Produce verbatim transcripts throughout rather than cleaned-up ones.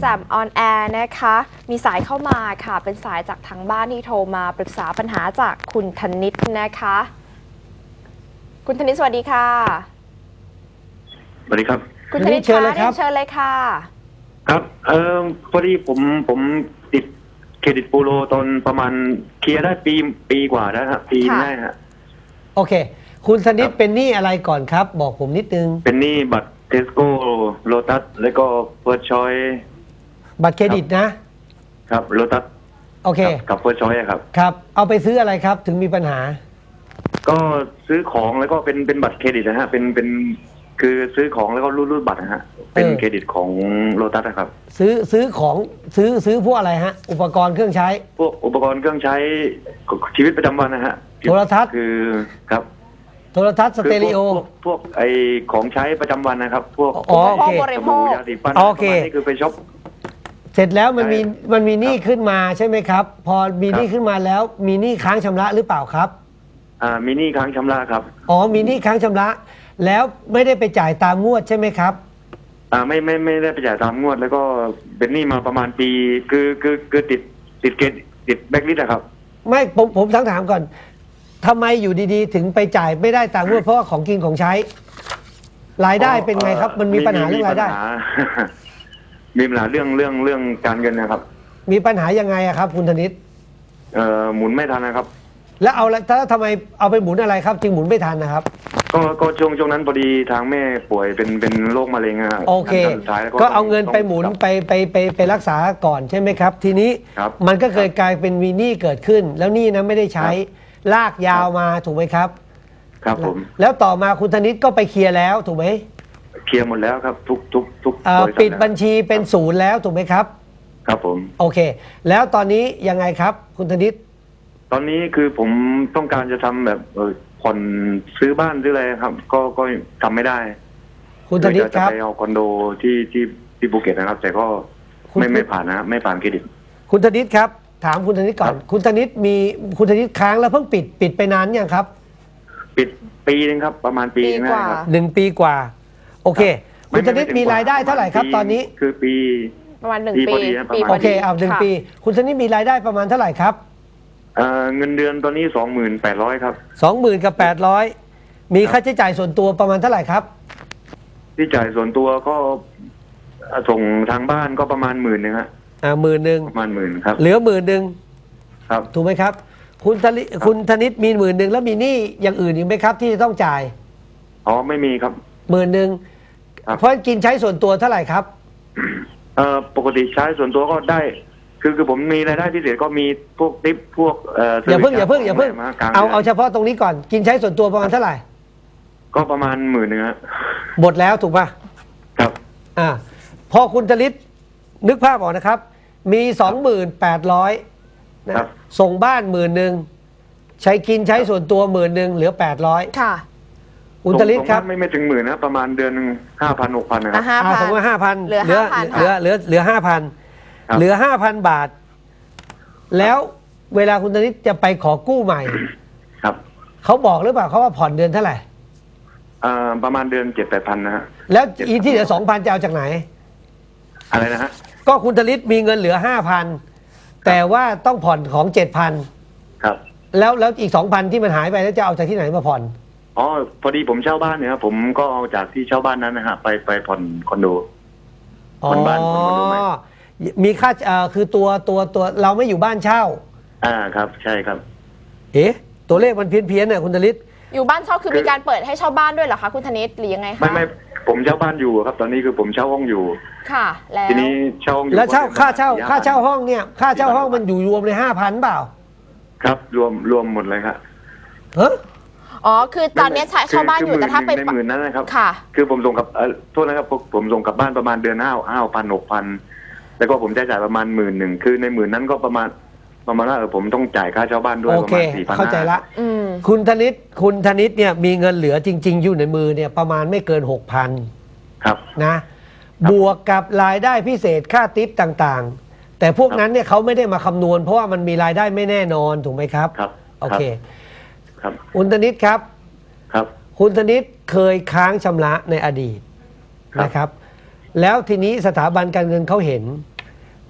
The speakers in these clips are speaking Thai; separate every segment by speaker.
Speaker 1: แจ่มออนแอร์นะคะมีสายเข้ามาค่ะเป็นสายจากทางบ้านที่โทรมาปรึกษาปัญหาจากคุณธนิตนะคะคุณธนิตสวัสดีค่ะ
Speaker 2: สวัสดีครับ
Speaker 1: คุณธนิตเชิญเลยครับเชิญเลยค่ะ
Speaker 2: ครับเออพอดีผมผมติดเครดิตบูโรตอนประมาณเคลียร์ได้ปีปีกว่าแล้วครับปีแรกฮะ
Speaker 3: โอเคคุณธนิตเป็นหนี้อะไรก่อนครับบอกผมนิดนึง
Speaker 2: เป็นหนี้บัตรเทสโก้โลตัสแล้วก็เฟิร์สชอย
Speaker 3: บัตรเครดิตนะครับ
Speaker 2: โลตัส
Speaker 3: โอเค
Speaker 2: กับเฟิร์สชอยครับ
Speaker 3: ครับเอาไปซื้ออะไรครับถึงมีปัญหา
Speaker 2: ก็ซื้อของแล้วก็เป็นเป็นบัตรเครดิตนะฮะเป็นเป็นคือซื้อของแล้วก็รูดรูดบัตรนะฮะเป็นเครดิตของโลตัสนะครับ
Speaker 3: ซื้อซื้อของซื้อซื้อพวกอะไรฮะอุปกรณ์เครื่องใช้
Speaker 2: พวกอุปกรณ์เครื่องใช้ชีวิตประจำวันนะฮะ
Speaker 3: โทรทัศน์
Speaker 2: คือครับ
Speaker 3: โทรทัศน์สเตอริโอ
Speaker 2: พวกพวกไอของใช้ประจำวันนะครับพวก
Speaker 3: อ๋อโอเค
Speaker 1: บริโภค
Speaker 2: ยาสีฟัน
Speaker 3: โอเค
Speaker 2: นี่คือไปช็อป
Speaker 3: เสร็จแล้วมันมีมันมีหนี้ขึ้นมาใช่ไหมครับพอมีหนี้ขึ้นมาแล้วมีหนี้ค้างชำระหรือเปล่าครับ
Speaker 2: อ่ามีหนี้ค้างชำระครับ
Speaker 3: อ๋อมีหนี้ค้างชำระแล้วไม่ได้ไปจ่ายตามงวดใช่ไหมครับ
Speaker 2: อ่าไม่ไม่ไม่ได้ไปจ่ายตามงวดแล้วก็เป็นหนี้มาประมาณปีคือคือคือติดติดเกณฑ์ติดแบล็คลิสต์อะครับ
Speaker 3: ไม่ผมผมถามถามก่อนทำไมอยู่ดีๆถึงไปจ่ายไม่ได้ตามงวดเพราะว่าของกินของใช้รายได้เป็นไงครับมันมีปัญหาเรื่องรายได้
Speaker 2: มีปัญหาเรื่องเรื่องเรื่องการเงินนะครับ
Speaker 3: มีปัญหายังไงอะครับคุณธนิต
Speaker 2: เอ่อหมุนไม่ทันนะครับ
Speaker 3: แล้วเอาถ้าทำไมเอาไปหมุนอะไรครับจึงหมุนไม่ทันนะครับ
Speaker 2: ก็ก็ช่วงช่วงนั้นพอดีทางแม่ป่วยเป็นเป็นโรคมะเร็งอะ
Speaker 3: โอเคก็เอาเงินไปหมุนไปไปไปไปรักษาก่อนใช่ไหมครับทีนี้มันก็เคยกลายเป็นมีหนี้เกิดขึ้นแล้วหนี้นั้นไม่ได้ใช้ลากยาวมาถูกไหมครับ
Speaker 2: ครับผม
Speaker 3: แล้วต่อมาคุณธนิตก็ไปเคลียร์แล้วถูกไหม
Speaker 2: เคลียร์หมดแล้วครับทุกทุกทุก
Speaker 3: ปิดบัญชีเป็นศูนย์แล้วถูกไหมครับ
Speaker 2: ครับผม
Speaker 3: โอเคแล้วตอนนี้ยังไงครับคุณธนิต
Speaker 2: ตอนนี้คือผมต้องการจะทำแบบเออผ่อนซื้อบ้านซื้ออะไรครับ ก็ก็ทำไม่ได้
Speaker 3: คุณธนิตครับ
Speaker 2: จะไปเอาคอนโดที่ที่ที่ภูเก็ตนะครับแต่ก็ไม่ไม่ผ่านนะไม่ผ่านเครดิต
Speaker 3: คุณธนิตครับถามคุณธนิตก่อนคุณธนิตมีคุณธนิตค้างแล้วเพิ่งปิดปิดไปนานยังครับ
Speaker 2: ปิดปีนึงครับประมาณปีนึงครับ
Speaker 3: หนึ่งปีกว่าโอเคคุณธนิตมีรายได้เท่าไหร่ครับตอนนี้
Speaker 2: คือปี
Speaker 1: ประมาณหนึ่งปี
Speaker 3: ปีโอเคเอาหนึ่งปีคุณธนิตมีรายได้ประมาณเท่าไหร่ครับ
Speaker 2: เงินเดือนตอนนี้สองหมื่นแปดร้อยครับ
Speaker 3: สองหมื่นกับแปดร้อยมีค่าใช้จ่ายส่วนตัวประมาณเท่าไหร่ครับ
Speaker 2: ที่จ่ายส่วนตัวก็ส่งทางบ้านก็ประมาณหมื่นหนึ่งฮะ
Speaker 3: อ่าหมื่นหนึ่ง
Speaker 2: ประมาณหมื่นครับ
Speaker 3: เหลือหมื่นหนึ่ง
Speaker 2: ครับ
Speaker 3: ถูกไหมครับคุณธนิตคุณธนิตมีหมื่นหนึ่งแล้วมีหนี้อย่างอื่นอีกไหมครับที่จะต้องจ่าย
Speaker 2: อ๋อไม่มีครับ
Speaker 3: หมื่นหนึ่งเพราะกินใช้ส่วนตัวเท่าไหร่ครับ
Speaker 2: เอ่อปกติใช้ส่วนตัวก็ได้คือคือผมมีรายได้พิเศษก็มีพวกทิปพวกเอ่อ
Speaker 3: อย่าเพิ่งอย่าเพิ่งอย่าเพิ่งเอาเอาเฉพาะตรงนี้ก่อนกินใช้ส่วนตัวประมาณเท่าไหร่
Speaker 2: ก็ประมาณหมื่นหนึ่งฮะ
Speaker 3: หมดแล้วถูกป่ะ
Speaker 2: ครับ
Speaker 3: อ่าพอคุณธนิตนึกภาพออกนะครับมีสองหมื่นแปดร้อยนะส่งบ้านหมื่นหนึ่งใช้กินใช้ส่วนตัวหมื่นหนึ่งเหลือแปดร้อย
Speaker 1: ค่ะ
Speaker 3: คุณธนิตครับ
Speaker 2: ไม่ไม่ถึงหมื่นนะประมาณเดือนหนึ่งห้าพันหกพันนะครับ
Speaker 3: อ่าสมมติห้าพัน
Speaker 1: เหลือ
Speaker 3: เหลือเหลือเหลือเหลือห้าพันเหลือห้าพันบาทแล้วเวลาคุณธนิตจะไปขอกู้ใหม่
Speaker 2: ครับ
Speaker 3: เขาบอกหรือเปล่าเขาว่าผ่อนเดือนเท่าไหร่
Speaker 2: อ่าประมาณเดือนเจ็ดแปดพันนะฮะ
Speaker 3: แล้วอีที่เหลือสองพันจะเอาจากไหน
Speaker 2: อะไรนะฮะ
Speaker 3: ก็คุณธนิตมีเงินเหลือห้าพันแต่ว่าต้องผ่อนของเจ็ดพัน
Speaker 2: ครับ
Speaker 3: แล้วแล้วอีกสองพันที่มันหายไปแล้วจะเอาจากที่ไหนมาผ่อน
Speaker 2: อ๋อพอดีผมเช่าบ้านเนี่ยครับผมก็เอาจากที่เช่าบ้านนั้นนะฮะไปไปผ่อนคอนโด
Speaker 3: ผ่อนบ้านผ่อนคอนโดไหมมีค่าเอ่อคือตัวตัวตัวเราไม่อยู่บ้านเช่า
Speaker 2: อ่าครับใช่ครับ
Speaker 3: เอ๊ะตัวเลขมันเพี้ยนเพี้ยนเนี่ยคุณธนิต
Speaker 1: อยู่บ้านเช่าคือมีการเปิดให้เช่าบ้านด้วยเหรอคะคุณธนิตหรือยังไงคะ
Speaker 2: ไม่ไม่ผมเช่าบ้านอยู่ครับตอนนี้คือผมเช่าห้องอยู่
Speaker 1: ค่ะแล้ว
Speaker 2: ทีนี้เช่าห้องอยู่
Speaker 3: แล้วเช่าค่าเช่าค่าเช่าห้องเนี่ยค่าเช่าห้องมันอยู่รวมในห้าพันเปล่า
Speaker 2: ครับรวมรวมหมดเลยครับ
Speaker 3: เฮ้
Speaker 1: อ๋อคือตอนนี้ใช้เช่าบ้านอยู่แต่ถ้าไป
Speaker 2: ในหมื่นนั้นนะครับ
Speaker 1: ค่ะ
Speaker 2: คือผมส่งกับโทษนะครับผมส่งกลับบ้านประมาณเดือนห้าห้าพันหกพันแล้วก็ผมจะจ่ายประมาณหมื่นหนึ่งคือในหมื่นนั้นก็ประมาณประมาณว่าเออผมต้องจ่ายค่าเช่าบ้านด้วยประมาณสี่พัน
Speaker 3: เข้าใจละคุณธนิตคุณธนิตเนี่ยมีเงินเหลือจริงๆอยู่ในมือเนี่ยประมาณไม่เกินหกพัน
Speaker 2: ครับ
Speaker 3: นะบวกกับรายได้พิเศษค่าทิปต่างๆแต่พวกนั้นเนี่ยเขาไม่ได้มาคำนวณเพราะว่ามันมีรายได้ไม่แน่นอนถูกไหมครับ
Speaker 2: ครับ
Speaker 3: โอเค
Speaker 2: ครับ
Speaker 3: คุณธนิตครับ
Speaker 2: ครับ
Speaker 3: คุณธนิตเคยค้างชำระในอดีตนะครับแล้วทีนี้สถาบันการเงินเขาเห็น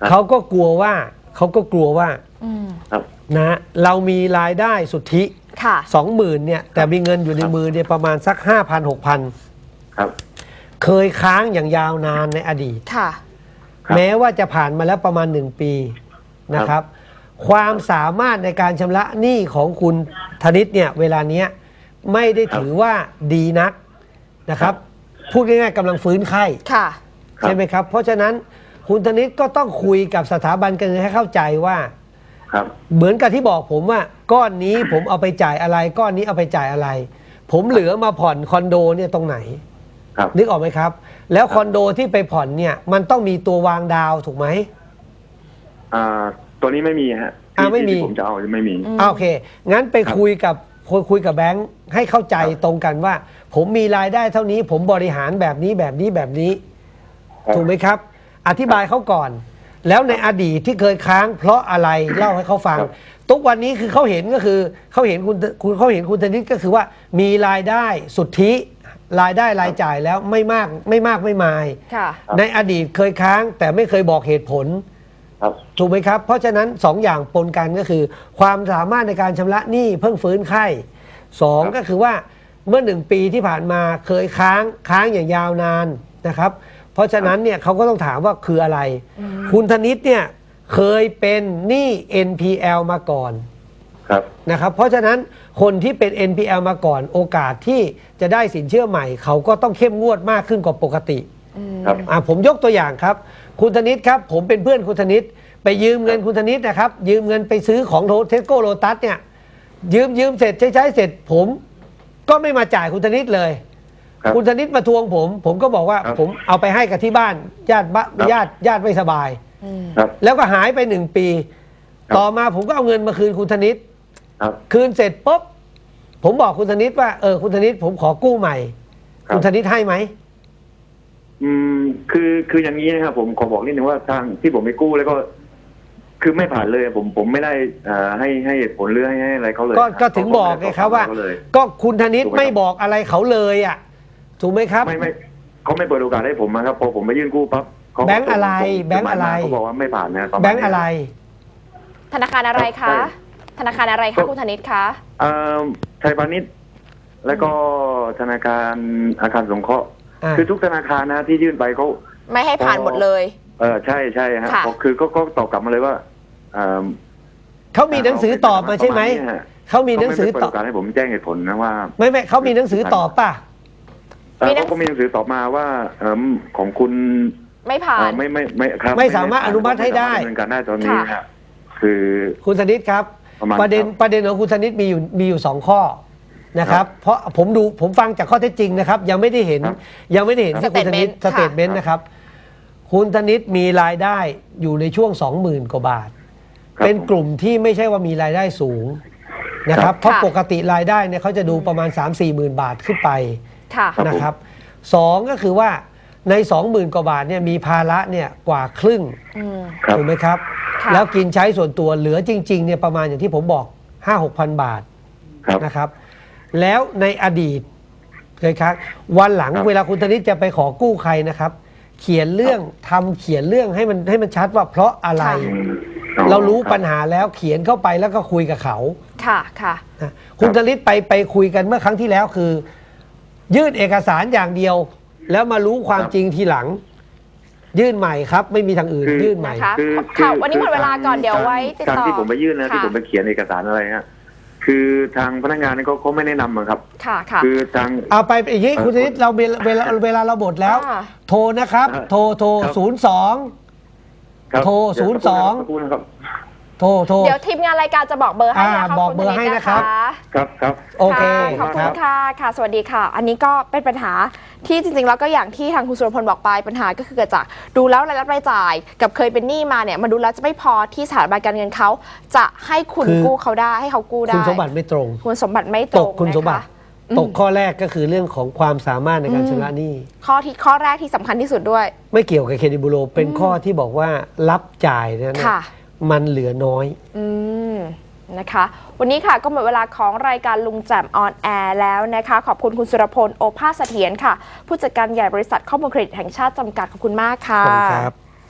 Speaker 3: เขาก็กลัวว่าเขาก็กลัวว่า
Speaker 1: อืม
Speaker 2: ครับ
Speaker 3: นะเรามีรายได้สุทธิ
Speaker 1: ค่ะ
Speaker 3: สองหมื่นเนี่ยแต่มีเงินอยู่ในมือเนี่ยประมาณสักห้าพันหกพัน
Speaker 2: ครับ
Speaker 3: เคยค้างอย่างยาวนานในอดีต
Speaker 1: ค่ะ
Speaker 2: ครับ
Speaker 3: แม้ว่าจะผ่านมาแล้วประมาณหนึ่งปีนะครับ ความสามารถในการชำระหนี้ของคุณธนิตเนี่ยเวลาเนี้ยไม่ได้ถือว่าดีนักนะครับ พูดง่ายๆกำลังฟื้นไข้
Speaker 1: ค่ะ
Speaker 3: ใช่ไหมครับ เพราะฉะนั้นคุณธนิตก็ต้องคุยกับสถาบันการเงินให้เข้าใจว่า
Speaker 2: ครับ
Speaker 3: เหมือนกับที่บอกผมว่าก้อนนี้ผมเอาไปจ่ายอะไร ก้อนนี้เอาไปจ่ายอะไร ผมเหลือมาผ่อนคอนโดเนี่ยตรงไหน
Speaker 2: ครับ
Speaker 3: นึกออกไหมครับ แล้วคอนโดที่ไปผ่อนเนี่ยมันต้องมีตัววางดาวถูกไหม
Speaker 2: อ่าตัวนี้ไม่มีฮะ
Speaker 3: อ่า
Speaker 2: ที่
Speaker 3: ไม่มี
Speaker 2: ที่ผมจะเอาไม่มี
Speaker 1: อืม
Speaker 3: อ่าโอเค งั้นไป
Speaker 2: ครับ
Speaker 3: คุยกับคุยคุยกับแบงค์ให้เข้าใจ
Speaker 2: ครับ
Speaker 3: ตรงกันว่า ผมมีรายได้เท่านี้ ผมบริหารแบบนี้แบบนี้แบบนี้
Speaker 2: ครับ
Speaker 3: ถูกไหมครับ อธิบายเขาก่อน แล้วในอดีตที่เคยค้างเพราะอะไรเล่าให้เขาฟัง
Speaker 2: ครับ
Speaker 3: ทุกวันนี้คือเขาเห็นก็คือเขาเห็นคุณคุณเขาเห็นคุณธนิตก็คือว่ามีรายได้สุทธิรายได้รายจ่ายแล้วไม่มากไม่มากไม่มาย
Speaker 1: ค่ะ
Speaker 3: ในอดีตเคยค้างแต่ไม่เคยบอกเหตุผล
Speaker 2: ครับ
Speaker 3: ถูกไหมครับ เพราะฉะนั้นสองอย่างปนกันก็คือ ความสามารถในการชำระหนี้เพิ่งฟื้นไข้สอง
Speaker 2: ครับ
Speaker 3: ก็คือว่าเมื่อหนึ่งปีที่ผ่านมาเคยค้างค้างอย่างยาวนานนะครับ เพราะฉะนั้นเนี่ยเขาก็ต้องถามว่าคืออะไร
Speaker 1: อืม
Speaker 3: คุณธนิตเนี่ยเคยเป็นหนี้ เอ็น พี แอล มาก่อน
Speaker 2: ครับ
Speaker 3: นะครับ เพราะฉะนั้นคนที่เป็น เอ็น พี แอล มาก่อนโอกาสที่จะได้สินเชื่อใหม่ เขาก็ต้องเข้มงวดมากขึ้นกว่าปกติ
Speaker 1: อืม
Speaker 2: ครับ
Speaker 3: อ่ะผมยกตัวอย่างครับ คุณธนิตครับ ผมเป็นเพื่อนคุณธนิตไปยืมเงินคุณธนิตนะครับ ยืมเงินไปซื้อของเทสโก้โลตัสเนี่ยยืมยืมเสร็จใช้ใช้เสร็จ ผมก็ไม่มาจ่ายคุณธนิตเลย
Speaker 2: ครับ
Speaker 3: คุณธนิตมาทวงผม ผมก็บอกว่า
Speaker 2: ครับ
Speaker 3: ผมเอาไปให้กับที่บ้านญาติบ้าน
Speaker 2: ครับ
Speaker 3: ญาติญาติไม่สบาย
Speaker 1: อืม
Speaker 2: ครับ
Speaker 3: แล้วก็หายไปหนึ่งปี
Speaker 2: ครับ
Speaker 3: ต่อมาผมก็เอาเงินมาคืนคุณธนิต
Speaker 2: ครับ
Speaker 3: คืนเสร็จปุ๊บผมบอกคุณธนิตว่าเออคุณธนิตผมขอกู้ใหม่
Speaker 2: ครับ
Speaker 3: คุณธนิตให้ไหม
Speaker 2: อืมคือคืออย่างนี้นะครับผมขอบอกนิดนึงว่าทางที่ผมไปกู้แล้วก็ คือไม่ผ่านเลยผมผมไม่ได้อ่าให้ให้เหตุผลหรือให้ให้อะไรเขาเลย
Speaker 3: ก็ก็ถึงบอกไงครับว่า
Speaker 2: เขเลย
Speaker 3: ก็คุณธนิต
Speaker 2: ถูกไหมครับ
Speaker 3: ไม่บอกอะไรเขาเลยอ่ะถูกไหมครับ
Speaker 2: ไม่ไม่เขาไม่เปิดโอกาสให้ผมนะครับพอผมไปยื่นกู้ปั๊บเขา
Speaker 3: แบงค์อะไร
Speaker 2: ส่ง
Speaker 3: แบงค์อะไร
Speaker 2: เขาบอกว่าไม่ผ่านนะปมาณ
Speaker 3: แบงค์อะไร
Speaker 1: ธนาคารอะไร
Speaker 2: ใช่
Speaker 1: คะ ธนาคารอะไรคะคุณธนิตคะ
Speaker 2: เอ่อไทยพาณิชย์แล้วก็ธนาคารอาคารสงเคราะห์
Speaker 3: อ่า
Speaker 2: คือทุกธนาคารนะที่ยื่นไปเขา
Speaker 1: ไม่ให้ผ่านหมดเลย
Speaker 2: เออใช่ใช่ฮะ
Speaker 1: ค่ะ
Speaker 2: พอคือก็ก็ตอบกลับมาเลยว่าเอ่อ
Speaker 3: เขามีหนังสือตอบมาใช่ไหม
Speaker 2: ประาณนี้ฮะ
Speaker 3: เขามีหนังสือ
Speaker 2: เขาไม่
Speaker 3: ต
Speaker 2: เปิ
Speaker 3: อบ
Speaker 2: ดโอกาสให้ผมแจ้งเหตุผลนะว่า
Speaker 3: ไม่ไม่เขามีหนังสือตอบป่ะ
Speaker 2: เอ่อ
Speaker 1: มีหนัง
Speaker 2: เขาก็มีหนังสือตอบมาว่าเอ่อของคุณ
Speaker 1: ไม่ผ่า
Speaker 2: เอ่อน ไม่ไม่ไม่ครับ
Speaker 3: ไม่สามารถอนุมัติให้ได้
Speaker 2: ม่สามารถดำเนินการได้ตอนนี้
Speaker 1: ค่ะ
Speaker 2: ฮะคือ
Speaker 3: คุณธนิตครับ
Speaker 2: ประมาณ
Speaker 3: ประเด็น
Speaker 2: ครับ
Speaker 3: ประเด็นของคุณธนิตมีอยู่มีอยู่สองข้อนะครับ เพราะผมดูผมฟังจากข้อเท็จจริงนะครับ ยังไม่ได้เห็น
Speaker 2: ครับ
Speaker 3: ยังไม่ได้เห็นที่คุณธนิตส
Speaker 1: Statement
Speaker 3: เตทเมนต์นะครับ คุณธนิตมีรายได้อยู่ในช่วงสองหมื่นกว่าบาท
Speaker 2: ครับ
Speaker 3: เป็นกลุ่มที่ไม่ใช่ว่ามีรายได้สูงนะครับ เพราะ
Speaker 1: ค่ะ
Speaker 3: ปกติรายได้เนี่ยเขาจะดูประมาณ สามสี่หมื่นบาทขึ้นไป
Speaker 1: ค่ะ
Speaker 2: ครับ
Speaker 3: นะครับสองก็คือว่าในสองหมื่นกว่าบาทเนี่ยมีภาระเนี่ยกว่าครึ่ง
Speaker 1: อืม
Speaker 2: ครับ
Speaker 3: ถูกไหมครับ
Speaker 1: ค่ะ
Speaker 3: แล้วกินใช้ส่วนตัวเหลือจริงๆเนี่ยประมาณอย่างที่ผมบอก ห้าหกพันบาท
Speaker 2: ครับ
Speaker 3: นะครับ แล้วในอดีตเคยครับวันหลัง
Speaker 2: ครับ
Speaker 3: เวลาคุณธนิตจะไปขอกู้ใครนะครับ เขียนเรื่องทำเขียนเรื่องให้มันให้มันชัดว่าเพราะอะไร
Speaker 1: ค่ะ
Speaker 2: อืมอ๋อ
Speaker 3: เรารู้
Speaker 2: คบ
Speaker 3: ปัญหาแล้วเขียนเข้าไปแล้วก็คุยกับเขา
Speaker 1: ค่ะ ค่ะ
Speaker 3: นะคุณธนิตไปไปคุยกันเมื่อครั้งที่แล้วคือ ยื่นเอกสารอย่างเดียว แล้วมารู้ความ
Speaker 2: ครับ
Speaker 3: จริงทีหลัง ยื่นใหม่ครับ ไม่มีทางอื่น
Speaker 2: คือ
Speaker 3: ยื่นใหม่
Speaker 1: นะคะ
Speaker 2: คือ
Speaker 1: ค่ะ
Speaker 2: คือ
Speaker 1: วันนี้หมดเวลาก่อนเดี๋ยวไว้ติดต่อ
Speaker 2: การที่ผมไปยื่นนะ
Speaker 1: ค่ะ
Speaker 2: ที่ผมไปเขียนเอกสารอะไรฮะคือทางพนักงานนี่เขาเขาไม่แนะนำอะครับ
Speaker 1: ค่ะ ค่ะ
Speaker 2: คือทาง
Speaker 3: เอาไปอย่างนี้คุณธนิตเราเวลาเวลาเวลาเราหมดแล้ว
Speaker 1: อ่า
Speaker 3: โทรนะครับ
Speaker 2: ครับ
Speaker 3: โทรโทร
Speaker 2: ครับ
Speaker 3: ศูนย์สอง
Speaker 2: ครับ
Speaker 3: โทร
Speaker 2: เดี๋ว
Speaker 3: ศูนย์สอง
Speaker 2: สักครู่นะครับ
Speaker 3: โทรโทร
Speaker 1: เดี๋ยวทีมงานรายการจะบอกเบอร์ให้
Speaker 3: อ่า
Speaker 1: นะคะ
Speaker 3: บอก
Speaker 1: คุณ
Speaker 3: เบอร์
Speaker 1: ธ
Speaker 3: ให้
Speaker 1: ต
Speaker 3: นะครับ
Speaker 2: ครับครับ
Speaker 3: โอเค
Speaker 1: ค่ะขอบคุ
Speaker 3: ค
Speaker 1: ณ
Speaker 3: รับ
Speaker 1: ค่ะ ค่ะ สวัสดีค่ะ อันนี้ก็เป็นปัญหาที่จริงๆ แล้วก็อย่างที่ทางคุณสุรพลบอกไป ปัญหาก็คือเกิดจากดูแล้วรายรับรายจ่าย กับเคยเป็นหนี้มาเนี่ย มันดูแล้วจะไม่พอที่สถาบันการเงินเขาจะให้คุณ
Speaker 3: คือ
Speaker 1: กู้เขาได้ ให้เขากู้ได้
Speaker 3: คุณสมบัติไม่ตรง
Speaker 1: คุณสมบัติไม่ต
Speaker 3: ต
Speaker 1: รง
Speaker 3: กคุณสมบัติ
Speaker 1: นะคะ
Speaker 3: ตกข้อแรกก็คือเรื่องของความสามารถในการชำระหนี้
Speaker 1: ข้อที่ข้อแรกที่สำคัญที่สุดด้วย
Speaker 3: ไม่เกี่ยวกับเครดิตบูโรเป็นข้อที่บอกว่ารับจ่ายเนี่ยนะ
Speaker 1: ค่ะ
Speaker 3: มันเหลือน้อย
Speaker 1: อืมนะคะ วันนี้ค่ะก็หมดเวลาของรายการลุงแจ่มออนแอร์แล้วนะคะ ขอบคุณคุณสุรพลโอภาสเสถียรค่ะ ผู้จัดการใหญ่บริษัทข้อมูลเครดิตแห่งชาติจำกัดขอบคุณมากค่ะ
Speaker 3: ขอบคุณครับ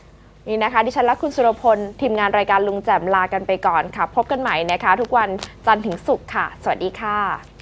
Speaker 1: นี่นะคะดิฉันและคุณสุรพลทีมงานรายการลุงแจ่มลากันไปก่อนค่ะ พบกันใหม่นะคะ ทุกวันจันทร์ถึงศุกร์ค่ะ สวัสดีค่ะ